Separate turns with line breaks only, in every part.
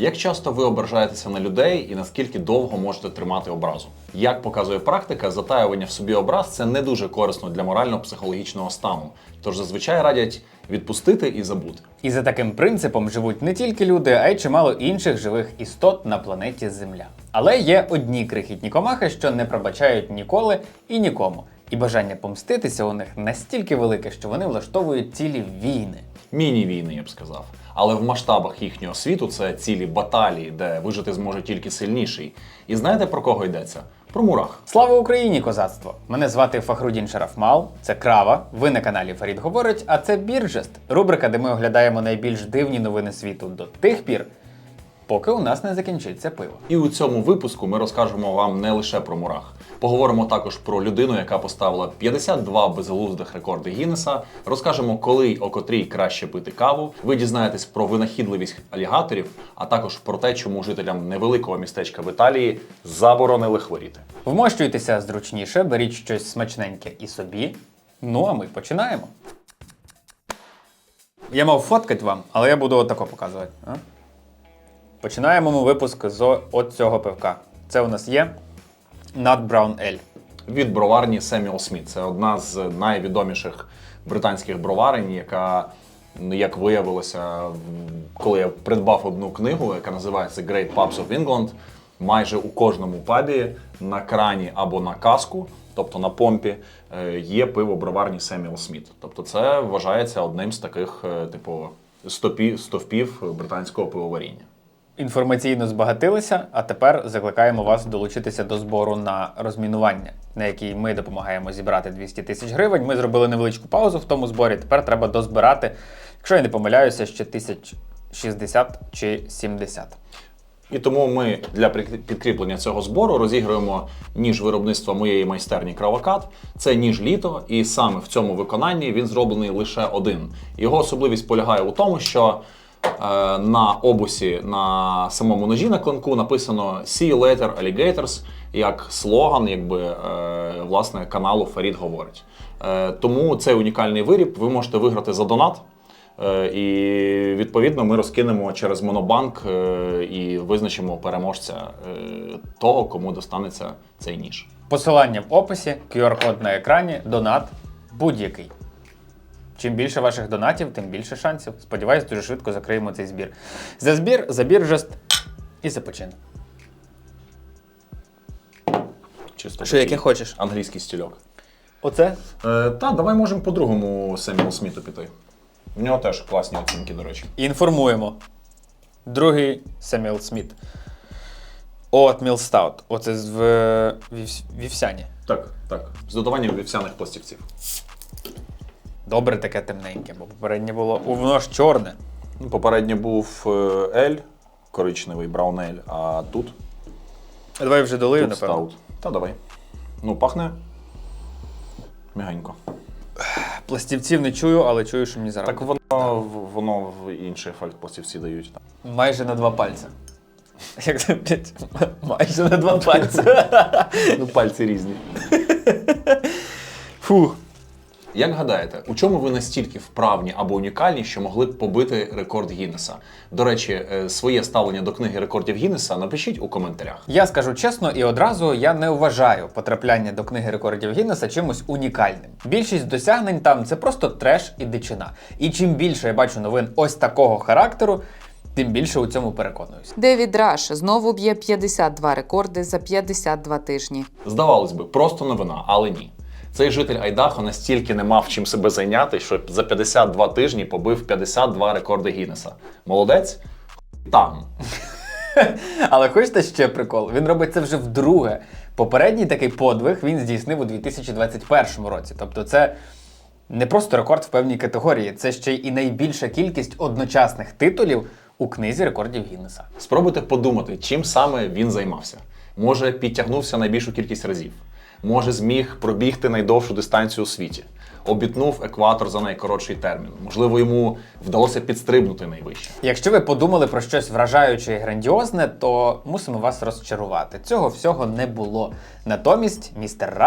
Як часто ви ображаєтеся на людей і наскільки довго можете тримати образу? Як показує практика, затаювання в собі образ – це не дуже корисно для морально-психологічного стану. Тож зазвичай радять відпустити і забути.
І за таким принципом живуть не тільки люди, а й чимало інших живих істот на планеті Земля. Але є одні крихітні комахи, що не пробачають ніколи і нікому. І бажання помститися у них настільки велике, що вони влаштовують цілі війни.
Міні-війни, я б сказав. Але в масштабах їхнього світу це цілі баталії, де вижити зможе тільки сильніший. І знаєте, про кого йдеться? Про мурах.
Слава Україні, козацтво! Мене звати Фахрудін Шарафмал, це Крава, ви на каналі Фарід Говорить, а це Біржест, рубрика, де ми оглядаємо найбільш дивні новини світу до тих пір, поки у нас не закінчиться пиво.
І у цьому випуску ми розкажемо вам не лише про мурах. Поговоримо також про людину, яка поставила 52 безглуздих рекорди Гіннеса, розкажемо, коли й о котрій краще пити каву, ви дізнаєтесь про винахідливість алігаторів, а також про те, чому жителям невеликого містечка в Італії заборонили хворіти.
Вмощуйтеся зручніше, беріть щось смачненьке і собі. Ну а ми починаємо. Я мав фоткати вам, але я буду отако показувати. Починаємо ми випуск з от цього пивка. Це у нас є Nut Brown Ale.
Від броварні Семюел Сміт. Це одна з найвідоміших британських броварень, яка, як виявилося, коли я придбав одну книгу, яка називається Great Pubs of England, майже у кожному пабі на крані або на каску, тобто на помпі, є пиво броварні Семюел Сміт. Тобто це вважається одним з таких типу стовпів британського пивоваріння.
Інформаційно збагатилися, а тепер закликаємо вас долучитися до збору на розмінування, на який ми допомагаємо зібрати 200 тисяч гривень. Ми зробили невеличку паузу в тому зборі, тепер треба дозбирати, якщо я не помиляюся, ще 1060 чи 70.
І тому ми для підкріплення цього збору розіграємо ніж виробництва моєї майстерні Кравокат. Це ніж літо, і саме в цьому виконанні він зроблений лише один. Його особливість полягає у тому, що на обусі, на самому ножі на клинку написано «See you later, alligators», як слоган, власне, каналу Фарід Говорить. Тому цей унікальний виріб ви можете виграти за донат. І, відповідно, ми розкинемо через Монобанк і визначимо переможця того, кому достанеться цей ніж.
Посилання в описі, QR-код на екрані, донат будь-який. Чим більше ваших донатів, тим більше шансів. Сподіваюсь, дуже швидко закриємо цей збір. За збір, за Біржест і за почин.
Чисто
що, яке хочеш?
Англійський стільок.
Оце?
Давай можемо по другому Семюел Сміту піти. В нього теж класні оцінки, до речі.
Інформуємо. Другий Семюел Сміт. Oatmeal Stout. Оце з вівсяні.
Так. З додаванням вівсяних пластівців.
Добре таке темненьке, бо попереднє було... Воно ж чорне.
Попередньо був ель, коричневий, браун ель, а тут...
А давай вже долию,
тут
напевно.
стаут. Та давай. Пахне м'ягенько.
Пластівців не чую, але чую, що мені зараз.
Так воно в інший ефект пластівці дають.
Майже на 2 пальця. Як це, блядь? Майже на 2 пальця.
Пальці різні.
Фух.
Як гадаєте, у чому ви настільки вправні або унікальні, що могли б побити рекорд Гіннеса? До речі, своє ставлення до книги рекордів Гіннеса напишіть у коментарях.
Я скажу чесно і одразу, я не вважаю потрапляння до книги рекордів Гіннеса чимось унікальним. Більшість досягнень там – це просто треш і дичина. І чим більше я бачу новин ось такого характеру, тим більше у цьому переконуюсь.
Девід Раш знову б'є 52 рекорди за 52 тижні.
Здавалось би, просто новина, але ні. Цей житель Айдахо настільки не мав чим себе зайняти, що за 52 тижні побив 52 рекорди Гіннеса. Молодець? Там.
Але хочете ще прикол? Він робить це вже вдруге. Попередній такий подвиг він здійснив у 2021 році. Тобто це не просто рекорд в певній категорії, це ще й найбільша кількість одночасних титулів у книзі рекордів Гіннеса.
Спробуйте подумати, чим саме він займався. Може, підтягнувся найбільшу кількість разів. Може, зміг пробігти найдовшу дистанцію у світі. Обітнув екватор за найкоротший термін. Можливо, йому вдалося підстрибнути найвище.
Якщо ви подумали про щось вражаюче і грандіозне, то мусимо вас розчарувати. Цього всього не було. Натомість містер Раш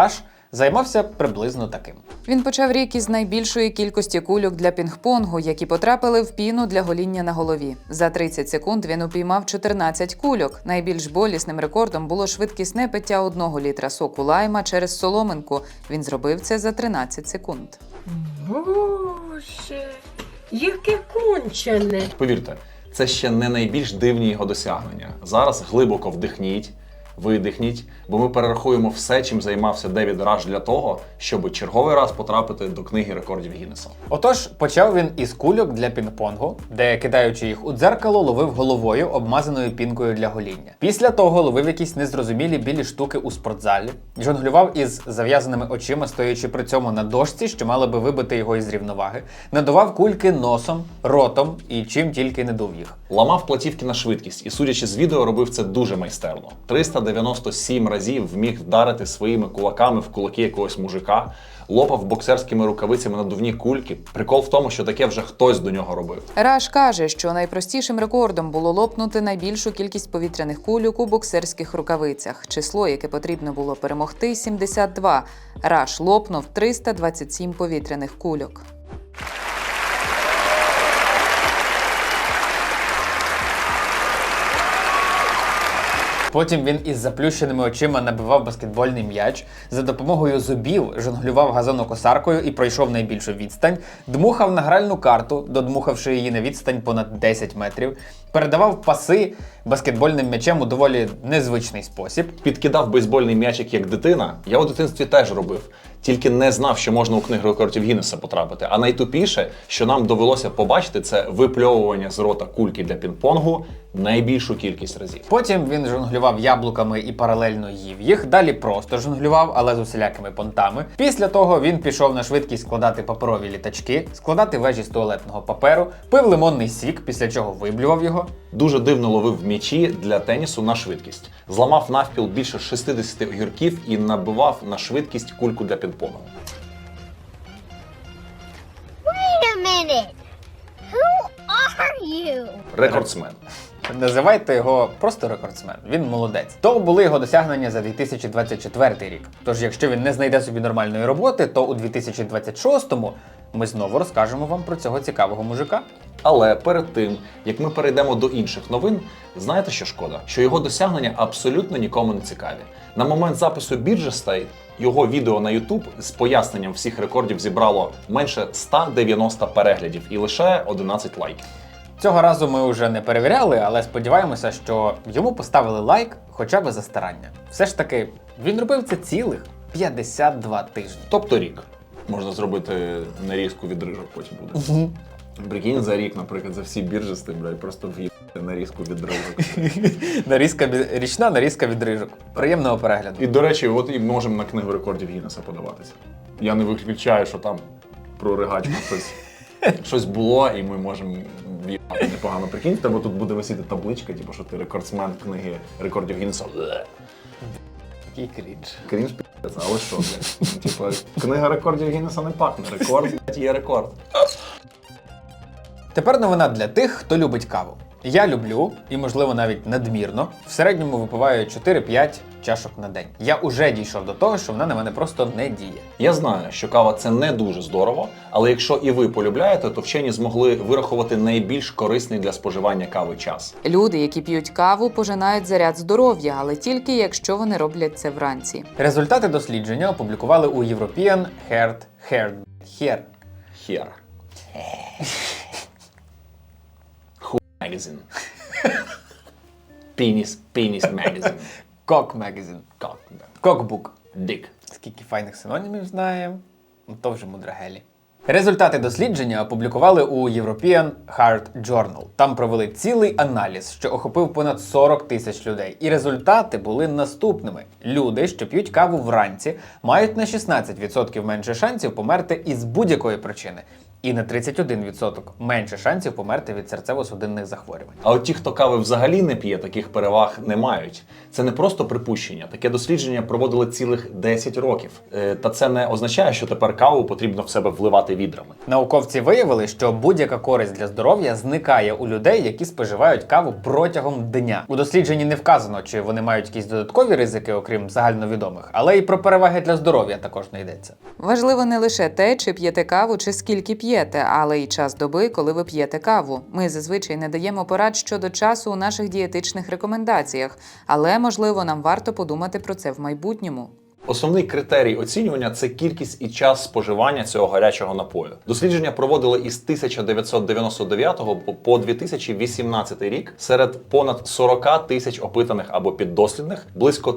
Займався приблизно таким.
Він почав рік із найбільшої кількості кульок для пінг-понгу, які потрапили в піну для гоління на голові. За 30 секунд він упіймав 14 кульок. Найбільш болісним рекордом було швидкісне пиття 1 літра соку лайма через соломинку. Він зробив це за 13 секунд.
Боже, яке кончене.
Повірте, це ще не найбільш дивні його досягнення. Зараз глибоко вдихніть, видихніть, бо ми перерахуємо все, чим займався Девід Раш для того, щоб черговий раз потрапити до книги рекордів Гіннеса.
Отож, почав він із кульок для пінг-понгу, де, кидаючи їх у дзеркало, ловив головою, обмазаною пінкою для гоління. Після того ловив якісь незрозумілі білі штуки у спортзалі, жонглював із зав'язаними очима, стоячи при цьому на дошці, що мали би вибити його із рівноваги, надував кульки носом, ротом і чим тільки не дув їх.
Ламав платівки на швидкість і, судячи з відео, робив це дуже майстерно. 397 разів вміг вдарити своїми кулаками в кулаки якогось мужика, лопав боксерськими рукавицями надувні кульки. Прикол в тому, що таке вже хтось до нього робив.
Раш каже, що найпростішим рекордом було лопнути найбільшу кількість повітряних кульок у боксерських рукавицях. Число, яке потрібно було перемогти – 72. Раш лопнув 327 повітряних кульок.
Потім він із заплющеними очима набивав баскетбольний м'яч, за допомогою зубів жонглював газонокосаркою і пройшов найбільшу відстань, дмухав на гральну карту, додмухавши її на відстань понад 10 метрів, передавав паси баскетбольним м'ячем у доволі незвичний спосіб.
Підкидав бейсбольний м'ячик як дитина. Я у дитинстві теж робив. Тільки не знав, що можна у книгу рекордів Гіннеса потрапити. А найтупіше, що нам довелося побачити, це випльовування з рота кульки для пінг-понгу найбільшу кількість разів.
Потім він жонглював яблуками і паралельно їв їх, далі просто жонглював, але з усілякими понтами. Після того він пішов на швидкість складати паперові літачки, складати вежі з туалетного паперу, пив лимонний сік, після чого виблював його.
Дуже дивно ловив м'ячі для тенісу на швидкість. Зламав навпіл більше 60 огірків і набивав на швидкість кульку для пінг-понгу.
Wait a minute. Who are you?
Рекордсмен.
Називайте його просто рекордсмен. Він молодець. То були його досягнення за 2024 рік. Тож, якщо він не знайде собі нормальної роботи, то у 2026-му ми знову розкажемо вам про цього цікавого мужика.
Але перед тим, як ми перейдемо до інших новин, знаєте, що шкода? Що його досягнення абсолютно нікому не цікаві. На момент запису Біджестей його відео на YouTube з поясненням всіх рекордів зібрало менше 190 переглядів і лише 11 лайків.
Цього разу ми вже не перевіряли, але сподіваємося, що йому поставили лайк хоча б за старання. Все ж таки, він робив це цілих 52 тижні.
Тобто рік. Можна зробити нарізку відрижок потім буде. Прикинь, за рік, наприклад, за всі біржести, блядь, просто в'їбати нарізку відрижок.
Річна нарізка відрижок. Приємного перегляду.
І, до речі, от і можемо на книгу рекордів Гіннеса подаватися. Я не виключаю, що там про ригачку щось було, і ми можемо в'їбати непогано. Прикинь, в тебе тут буде висіти табличка, типу, що ти рекордсмен книги рекордів Гіннеса.
Який крінж.
Крінж пі***ць, але що, блядь? Типу, книга рекордів Гіннеса не пахне. Рекорд, блядь, є рекорд.
Тепер новина для тих, хто любить каву. Я люблю, і можливо навіть надмірно, в середньому випиваю 4-5 чашок на день. Я уже дійшов до того, що вона на мене просто не діє.
Я знаю, що кава – це не дуже здорово, але якщо і ви полюбляєте, то вчені змогли вирахувати найбільш корисний для споживання кави час.
Люди, які п'ють каву, пожинають заряд здоров'я, але тільки якщо вони роблять це вранці.
Результати дослідження опублікували у European Heart
Хер. Хуй магазин. Пініс магазин.
Cock Magazine.
Как?
Cockbook.
Дик.
Скільки файних синонімів знаємо, то вже мудрагелі. Результати дослідження опублікували у European Heart Journal. Там провели цілий аналіз, що охопив понад 40 тисяч людей. І результати були наступними. Люди, що п'ють каву вранці, мають на 16% менше шансів померти із будь-якої причини. І на 31% менше шансів померти від серцево-судинних захворювань.
А от ті, хто кави взагалі не п'є, таких переваг не мають. Це не просто припущення. Таке дослідження проводили цілих 10 років. Та це не означає, що тепер каву потрібно в себе вливати відрами.
Науковці виявили, що будь-яка користь для здоров'я зникає у людей, які споживають каву протягом дня. У дослідженні не вказано, чи вони мають якісь додаткові ризики, окрім загальновідомих, але і про переваги для здоров'я також не йдеться.
Важливо не лише те, чи п'єте каву, чи скільки п'єте, але й час доби, коли ви п'єте каву. Ми зазвичай не даємо порад щодо часу у наших дієтичних рекомендаціях, але, можливо, нам варто подумати про це в майбутньому.
Основний критерій оцінювання – це кількість і час споживання цього гарячого напою. Дослідження проводили із 1999 по 2018 рік серед понад 40 тисяч опитаних або піддослідних. Близько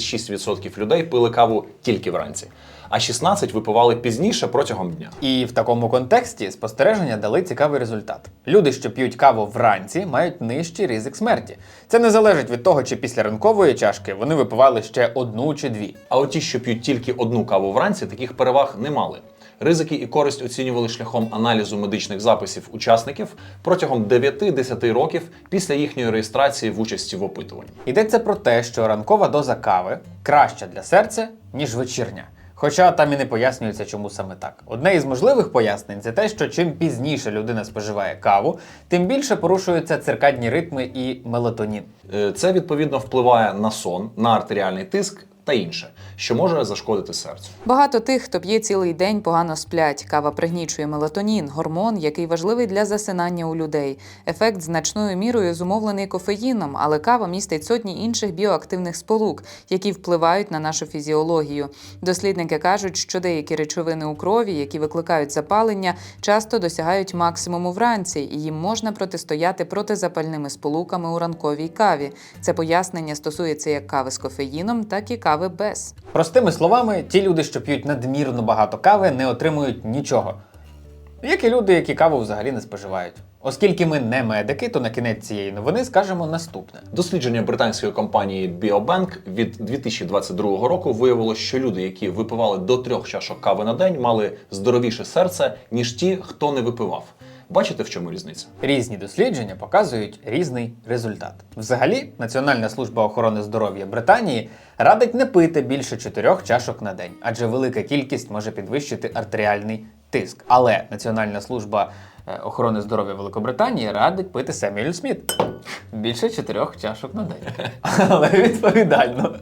36% людей пили каву тільки вранці, а 16% випивали пізніше протягом дня.
І в такому контексті спостереження дали цікавий результат. Люди, що п'ють каву вранці, мають нижчий ризик смерті. Це не залежить від того, чи після ранкової чашки вони випивали ще одну чи дві.
А от ті, що п'ють тільки одну каву вранці, таких переваг не мали. Ризики і користь оцінювали шляхом аналізу медичних записів учасників протягом 9-10 років після їхньої реєстрації в участі в опитуванні.
Йдеться про те, що ранкова доза кави краща для серця, ніж вечірня. Хоча там і не пояснюється, чому саме так. Одне із можливих пояснень – це те, що чим пізніше людина споживає каву, тим більше порушуються циркадні ритми і мелатонін.
Це, відповідно, впливає на сон, на артеріальний тиск та інше, що може зашкодити серцю.
Багато тих, хто п'є цілий день, погано сплять. Кава пригнічує мелатонін, гормон, який важливий для засинання у людей. Ефект значною мірою зумовлений кофеїном, але кава містить сотні інших біоактивних сполук, які впливають на нашу фізіологію. Дослідники кажуть, що деякі речовини у крові, які викликають запалення, часто досягають максимуму вранці, і їм можна протистояти протизапальними сполуками у ранковій каві. Це пояснення стосується як кави з кофеїном, так і кави без.
Простими словами, ті люди, що п'ють надмірно багато кави, не отримують нічого. Як і люди, які каву взагалі не споживають. Оскільки ми не медики, то на кінець цієї новини скажемо наступне.
Дослідження британської компанії BioBank від 2022 року виявило, що люди, які випивали до 3 чашок кави на день, мали здоровіше серце, ніж ті, хто не випивав. Бачите, в чому різниця?
Різні дослідження показують різний результат. Взагалі, Національна служба охорони здоров'я Британії радить не пити більше 4 чашок на день, адже велика кількість може підвищити артеріальний тиск. Але Національна служба охорони здоров'я Великобританії радить пити Семюель Сміт. Більше 4 чашок на день. Але відповідально.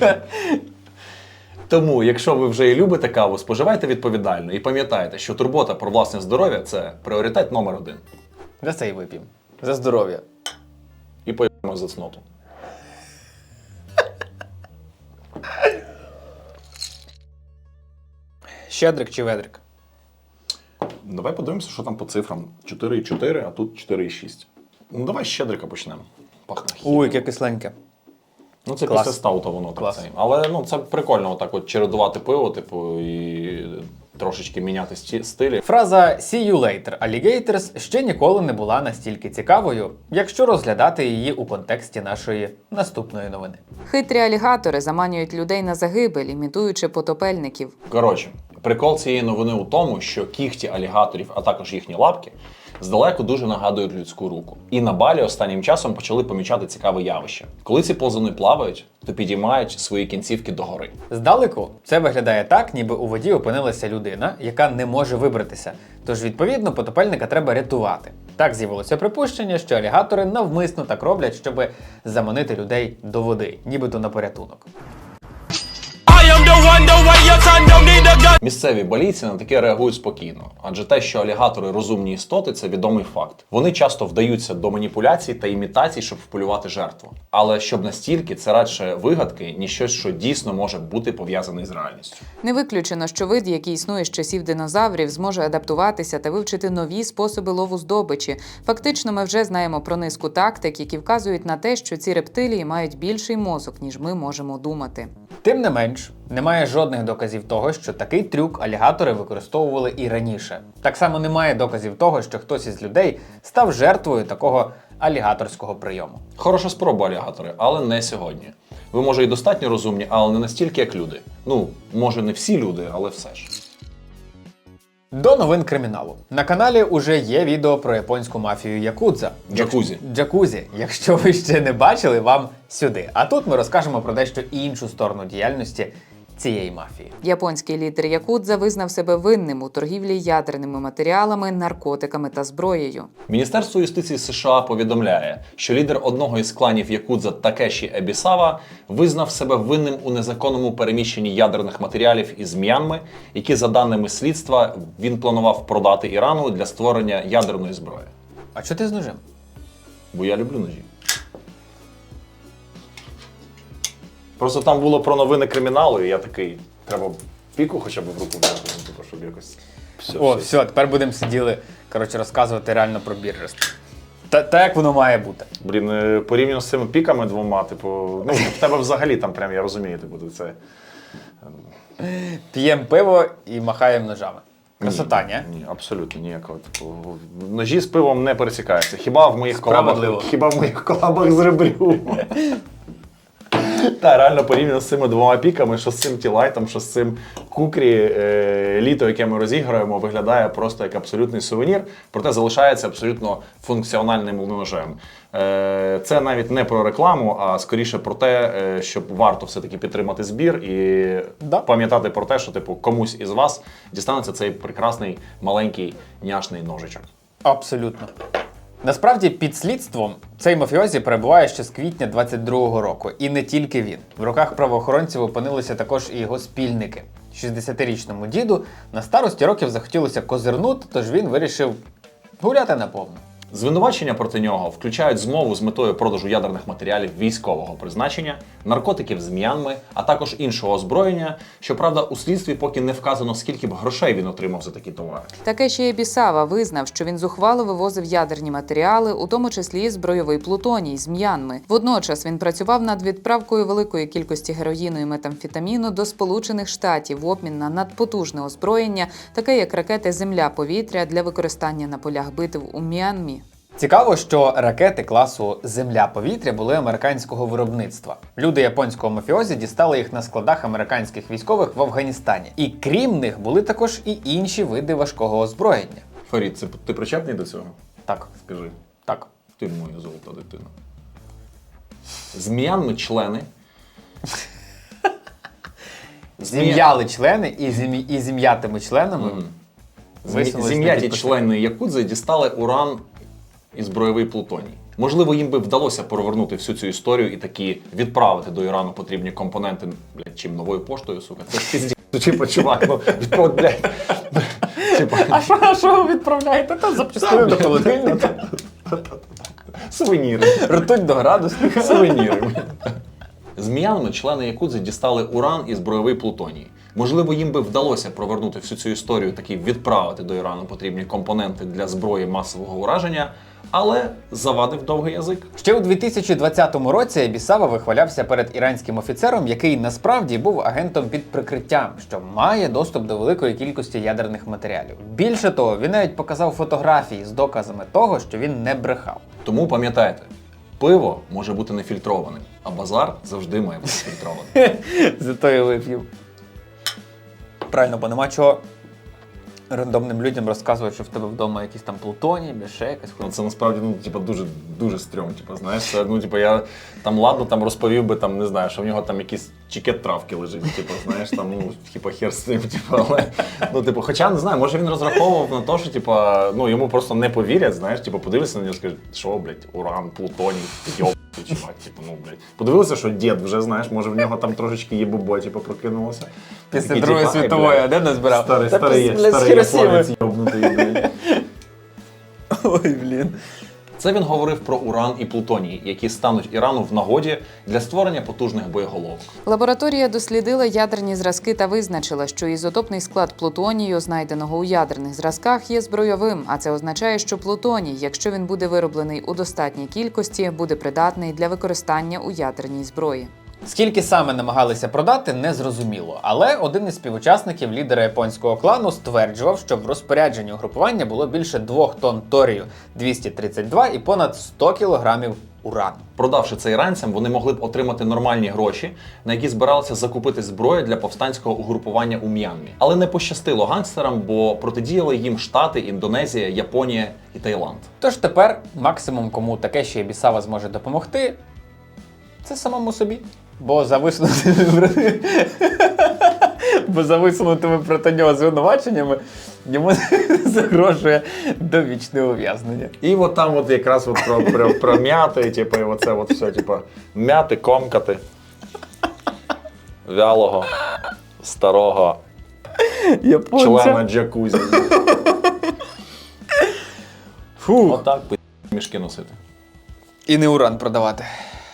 Тому, якщо ви вже і любите каву, споживайте відповідально і пам'ятайте, що турбота про власне здоров'я – це пріоритет номер 1.
За це й вип'ємо. За здоров'я.
І поїмо за цноту.
Щедрик чи ведрик?
Давай подивимося, що там по цифрам. 4,4, а тут 4,6. Ну, давай з щедрика почнемо. Пахне хімією.
Ой, яке кисленьке.
Ну, це
Клас.
після стаута воно
Клас.
так. Але ну, це прикольно отак от чередувати пиво, типу, і трошечки міняти стилі.
Фраза «See you later, alligators» ще ніколи не була настільки цікавою, якщо розглядати її у контексті нашої наступної новини.
Хитрі алігатори заманюють людей на загибель, імітуючи потопельників.
Коротше, прикол цієї новини у тому, що кігті алігаторів, а також їхні лапки, здалеку дуже нагадують людську руку. І на Балі останнім часом почали помічати цікаве явище. Коли ці ползуни плавають, то підіймають свої кінцівки догори.
Здалеку це виглядає так, ніби у воді опинилася людина, яка не може вибратися. Тож, відповідно, потопельника треба рятувати. Так з'явилося припущення, що алігатори навмисно так роблять, щоб заманити людей до води, нібито на порятунок.
Місцеві балійці на таке реагують спокійно, адже те, що алігатори розумні істоти, це відомий факт. Вони часто вдаються до маніпуляцій та імітацій, щоб вполювати жертву. Але щоб настільки, це радше вигадки, ніж щось, що дійсно може бути пов'язане з реальністю.
Не виключено, що вид, який існує з часів динозаврів, зможе адаптуватися та вивчити нові способи лову здобичі. Фактично, ми вже знаємо про низку тактик, які вказують на те, що ці рептилії мають більший мозок, ніж ми можемо думати.
Тим не менш, немає жодних доказів того, що такий трюк алігатори використовували і раніше. Так само немає доказів того, що хтось із людей став жертвою такого алігаторського прийому.
Хороша спроба, алігатори, але не сьогодні. Ви, може, і достатньо розумні, але не настільки, як люди. Ну, може, не всі люди, але все ж.
До новин криміналу. На каналі уже є відео про японську мафію Якудза.
Джакузі.
Джакузі. Якщо ви ще не бачили, вам сюди. А тут ми розкажемо про дещо іншу сторону діяльності цієї мафії.
Японський лідер Якудза визнав себе винним у торгівлі ядерними матеріалами, наркотиками та зброєю.
Міністерство юстиції США повідомляє, що лідер одного із кланів Якудза Такеші Ебісава визнав себе винним у незаконному переміщенні ядерних матеріалів із М'янми, які, за даними слідства, він планував продати Ірану для створення ядерної зброї.
А чого ти з ножем?
Бо я люблю ножі. Просто там було про новини криміналу, і я такий, треба піку хоча б в руку взяти, ну, типу, щоб якось...
Все, тепер будемо сиділи, розказувати реально про біржество. Та як воно має бути.
Блін, порівняно з цими піками двома, типу, ну, в тебе взагалі там прям, я розумію, типу, це...
П'ємо пиво і махаємо ножами. Красота, ні?
Ні, абсолютно ніякого. Типу, ножі з пивом не пересікаються. Хіба в моїх колабах з ребрю. Та, реально порівняно з цими двома піками, що з цим Тілайтом, що з цим Кукрі, літо, яке ми розіграємо, виглядає просто як абсолютний сувенір, проте залишається абсолютно функціональним ножем. Це навіть не про рекламу, а скоріше про те, щоб варто все-таки підтримати збір і пам'ятати про те, що типу комусь із вас дістанеться цей прекрасний маленький няшний ножичок.
Абсолютно. Насправді, під слідством цей мафіозі перебуває ще з квітня 22-го року. І не тільки він. В руках правоохоронців опинилися також і його спільники. 60-річному діду на старості років захотілося козирнути, тож він вирішив гуляти наповну.
Звинувачення проти нього включають змову з метою продажу ядерних матеріалів військового призначення, наркотиків з М'янми, а також іншого озброєння. Щоправда, у слідстві поки не вказано, скільки б грошей він отримав за такі товари.
Такеші Ебісава визнав, що він зухвало вивозив ядерні матеріали, у тому числі збройовий плутоній з М'янми. Водночас він працював над відправкою великої кількості героїну і метамфетаміну до Сполучених Штатів в обмін на надпотужне озброєння, таке як ракети «Земля-повітря» для використання на полях битв у М'янмі.
Цікаво, що ракети класу «Земля-повітря» були американського виробництва. Люди японського мафіозі дістали їх на складах американських військових в Афганістані. І крім них були також і інші види важкого озброєння.
Фарід, ти причетний до цього?
Так.
Скажи.
Так.
Ти моя золота дитина. З М'янми члени.
Зім'яли члени і зім'ятими членами
Зім'яті члени Якудзи дістали уран і збройовий плутоній. Можливо, їм би вдалося перевернути всю цю історію і таки відправити до Ірану потрібні компоненти, блядь, чим новою поштою, сука. Це ж пізді. Типа, чувак, ну, відправ, блядь.
А що ви відправляєте? Та запчастини до холодильника.
Сувеніри.
Ртуть до градусника.
Сувеніри. З М'янми члени Якудзи дістали уран і збройовий плутоній. Можливо, їм би вдалося провернути всю цю історію, таки відправити до Ірану потрібні компоненти для зброї масового ураження, але завадив довгий язик.
Ще у 2020 році Ебісава вихвалявся перед іранським офіцером, який насправді був агентом під прикриттям, що має доступ до великої кількості ядерних матеріалів. Більше того, він навіть показав фотографії з доказами того, що він не брехав.
Тому пам'ятайте, пиво може бути нефільтрованим, а базар завжди має бути фільтрованим.
Зато я вип'ю. Правильно, бо нема чого рандомним людям розказувати, що в тебе вдома якийсь там плутоній, ще якась
Ну,
хуйня.
це насправді, ну, типа, дуже стрьом, типа, знаєш, це, ну, типа, я там, ладно, там розповів би, там, не знаю, що в нього там якийсь чекет травки лежить, типа, знаєш, там, ну, типа, хер з цим, типа, але, ну, типу, хоча, не знаю, може він розраховував на те, що, типа, ну, йому просто не повірять, знаєш, типа, подивися на нього і скажуть, що, блядь, уран, плутоній, йоб, чувак, типу, ну, блядь. Подивилися, що дід вже, знаєш, може в нього там трошечки єбубо, типа, прокинулося.
Після
Такий,
Другої
типа,
світової, а
блядь,
де назбирав?
Старий японець йобнутий, блядь.
Ой, блін.
Це він говорив про уран і плутоній, які стануть Ірану в нагоді для створення потужних боєголовок.
Лабораторія дослідила ядерні зразки та визначила, що ізотопний склад плутонію, знайденого у ядерних зразках, є збройовим, а це означає, що плутоній, якщо він буде вироблений у достатній кількості, буде придатний для використання у ядерній зброї.
Скільки саме намагалися продати, не зрозуміло. Але один із співучасників, лідера японського клану, стверджував, що в розпорядженні угрупування було більше 2 тонн торію-232 і понад 100 кілограмів урану.
Продавши це іранцям, вони могли б отримати нормальні гроші, на які збиралися закупити зброю для повстанського угрупування у М'янмі. Але не пощастило гангстерам, бо протидіяли їм Штати, Індонезія, Японія і Таїланд.
Тож тепер максимум, кому Такеші Ібісава зможе допомогти, це самому собі. Бо за висунутими проти нього звинуваченнями йому загрожує довічне ув'язнення.
І от там от якраз от про м'яти, типу, і оце от все, типу, м'яти, комкати, вялого, старого члена джакузі.
Фу.
Отак мішки носити.
І не уран продавати.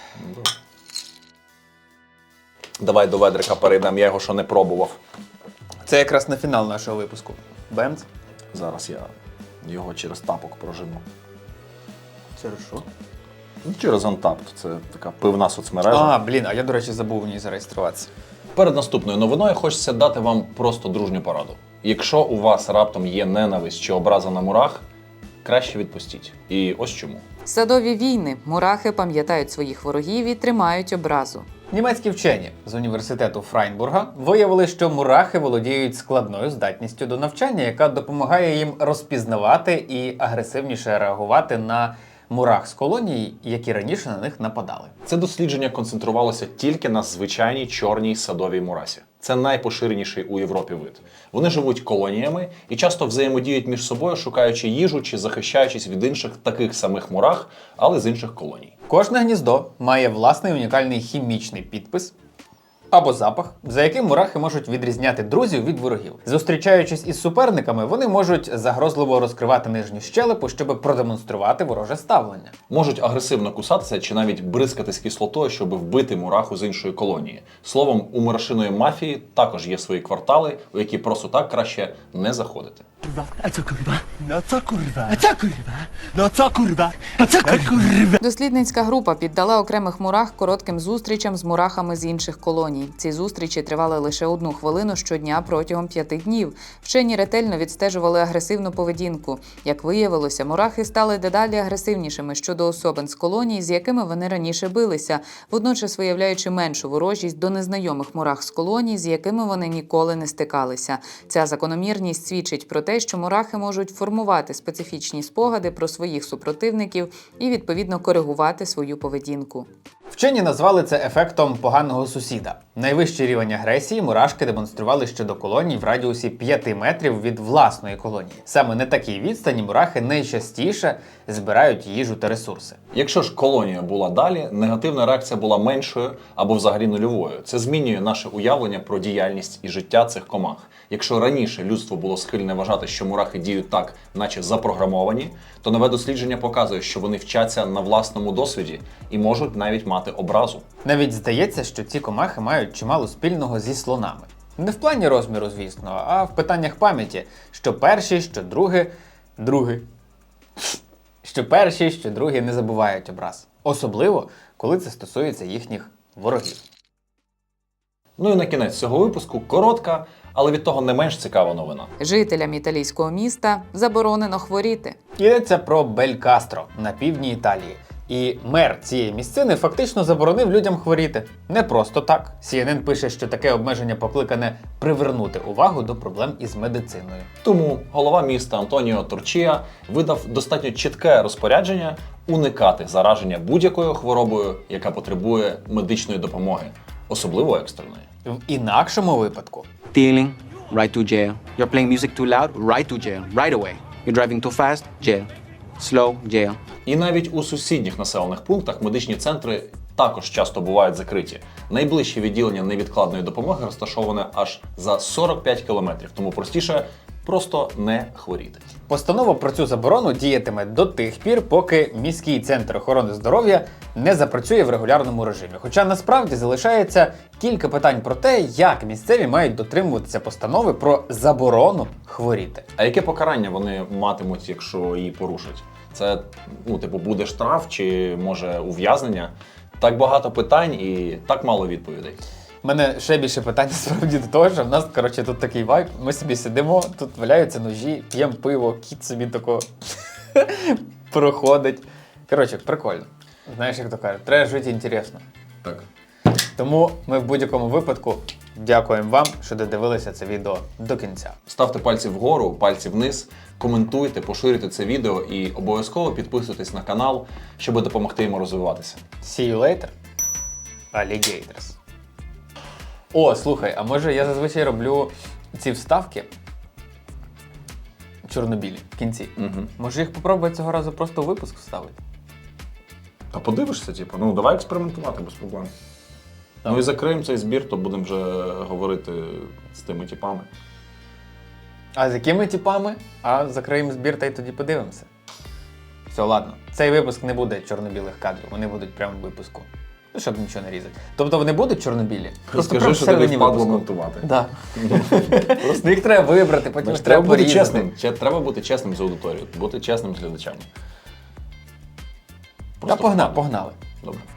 Давай до ведрика перейдемо, я його ще не пробував.
Це якраз на фінал нашого випуску. Бемц.
Зараз я його через тапок прожену.
Через що?
Через Untappd, це така пивна соцмережа.
А я, до речі, забув в ній зареєструватися.
Перед наступною новиною хочеться дати вам просто дружню пораду. Якщо у вас раптом є ненависть чи образа на мурах, краще відпустіть. І ось чому.
Садові війни. Мурахи пам'ятають своїх ворогів і тримають образу.
Німецькі вчені з університету Фрайнбурга виявили, що мурахи володіють складною здатністю до навчання, яка допомагає їм розпізнавати і агресивніше реагувати на мурах з колоній, які раніше на них нападали.
Це дослідження концентрувалося тільки на звичайній чорній садовій мурасі. Це найпоширеніший у Європі вид. Вони живуть колоніями і часто взаємодіють між собою, шукаючи їжу чи захищаючись від інших таких самих мурах, але з інших колоній.
Кожне гніздо має власний унікальний хімічний підпис або запах, за яким мурахи можуть відрізняти друзів від ворогів. Зустрічаючись із суперниками, вони можуть загрозливо розкривати нижню щелепу, щоб продемонструвати вороже ставлення.
Можуть агресивно кусатися чи навіть бризкатись кислотою, щоб вбити мураху з іншої колонії. Словом, у мурашиної мафії також є свої квартали, у які просто так краще не заходити.
Дослідницька група піддала окремих мурах коротким зустрічам з мурахами з інших колоній. Ці зустрічі тривали лише 1 хвилину щодня протягом 5 днів. Вчені ретельно відстежували агресивну поведінку. Як виявилося, мурахи стали дедалі агресивнішими щодо особин з колоній, з якими вони раніше билися, водночас виявляючи меншу ворожість до незнайомих мурах з колоній, з якими вони ніколи не стикалися. Ця закономірність свідчить про те, що мурахи можуть формувати специфічні спогади про своїх супротивників і, відповідно, коригувати свою поведінку.
Вчені назвали це ефектом поганого сусіда. Найвищий рівень агресії мурашки демонстрували щодо колоній в радіусі 5 метрів від власної колонії. Саме на такій відстані мурахи найчастіше збирають їжу та ресурси.
Якщо ж колонія була далі, негативна реакція була меншою або взагалі нульовою. Це змінює наше уявлення про діяльність і життя цих комах. Якщо раніше людство було схильне вважати, що мурахи діють так, наче запрограмовані, то нове дослідження показує, що вони вчаться на власному досвіді і можуть навіть мати образу.
Навіть здається, що ці комахи мають чимало спільного зі слонами. Не в плані розміру, звісно, а в питаннях пам'яті, що перші, що другі не забувають образ. Особливо, коли це стосується їхніх ворогів.
Ну і на кінець цього випуску коротка, але від того не менш цікава новина.
Жителям італійського міста заборонено хворіти.
Йдеться про Белькастро на півдні Італії. І мер цієї місцини фактично заборонив людям хворіти. Не просто так. CNN пише, що таке обмеження покликане привернути увагу до проблем із медициною.
Тому голова міста Антоніо Торчія видав достатньо чітке розпорядження уникати зараження будь-якою хворобою, яка потребує медичної допомоги, особливо екстреної.
В інакшому випадку
Stealing, right to jail. You're playing music too loud, right to jail, right away. You're driving too fast, jail. Slow, jail.
І навіть у сусідніх населених пунктах медичні центри також часто бувають закриті. Найближче відділення невідкладної допомоги розташоване аж за 45 кілометрів, тому простіше просто не хворіти.
постанова про цю заборону діятиме до тих пір, поки міський центр охорони здоров'я не запрацює в регулярному режимі. Хоча насправді залишається кілька питань про те, як місцеві мають дотримуватися постанови про заборону хворіти.
А яке покарання вони матимуть, якщо її порушать? Це, буде штраф чи, може, ув'язнення? Так багато питань і так мало відповідей.
У мене ще більше питань насправді до того, що в нас, коротше, тут такий вайб. Ми собі сидимо, тут валяються ножі, п'ємо пиво, кіт собі тако проходить. Коротше, прикольно. Знаєш, як то кажуть, треба жити інтересно.
Так.
Тому ми в будь-якому випадку дякуємо вам, що додивилися це відео до кінця.
Ставте пальці вгору, пальці вниз, коментуйте, поширюйте це відео і обов'язково підписуйтесь на канал, щоб допомогти йому розвиватися.
See you later, alligators. О, слухай, а може я зазвичай роблю ці вставки чорнобілі в кінці. Може їх попробувати цього разу просто у випуск вставити?
А подивишся, типу, ну давай експериментувати без проблем.
Так.
Ну і закриємо цей збір, то будемо вже говорити з тими типами.
А з якими типами? А закриємо збір та й тоді подивимося. Все, ладно. Цей випуск не буде чорно-білих кадрів, вони будуть прямо в випуску. Ну, щоб нічого не різати. Тобто вони будуть чорно-білі?
Скажи,
прямо
що тобі
всередині
впадло
випуску.
монтувати.
Да. Просто їх треба вибрати, потім
Знаєш,
ж треба
треба бути
порізати.
чесним. Треба бути чесним з аудиторією, бути чесним з глядачами.
Та погнали.
Добре.